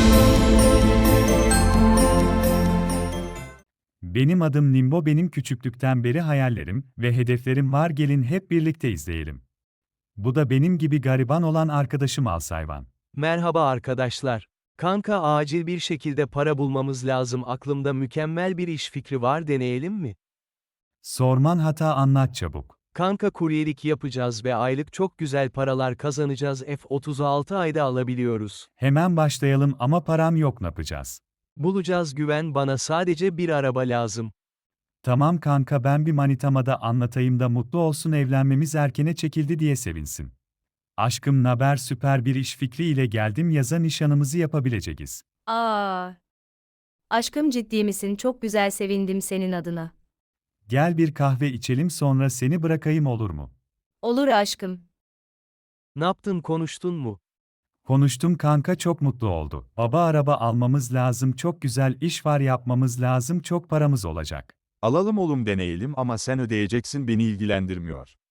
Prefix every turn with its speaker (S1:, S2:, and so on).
S1: Benim adım Nimbo, benim küçüklükten beri hayallerim ve hedeflerim var, gelin hep birlikte izleyelim. Bu da benim gibi gariban olan arkadaşım Alsayvan.
S2: Merhaba arkadaşlar. Kanka acil bir şekilde para bulmamız lazım. Aklımda mükemmel bir iş fikri var, deneyelim mi?
S1: Sorman hata, anlat çabuk.
S2: Kanka kuryelik yapacağız ve aylık çok güzel paralar kazanacağız. F36 ayda alabiliyoruz.
S1: Hemen başlayalım ama param yok, ne yapacağız?
S2: Bulacağız, güven bana, sadece bir araba lazım.
S1: Tamam kanka, ben bir manitama da anlatayım da mutlu olsun, evlenmemiz erkene çekildi diye sevinsin. Aşkım naber, süper bir iş fikri ile geldim, yaza nişanımızı yapabileceğiz.
S3: Aa, aşkım ciddi misin? Çok güzel, sevindim senin adına.
S1: Gel bir kahve içelim, sonra seni bırakayım, olur mu?
S3: Olur aşkım.
S2: Ne yaptın, konuştun mu?
S1: Konuştum kanka, çok mutlu oldu. Baba, araba almamız lazım, çok güzel iş var, yapmamız lazım, çok paramız olacak.
S4: Alalım oğlum, deneyelim ama sen ödeyeceksin, beni ilgilendirmiyor.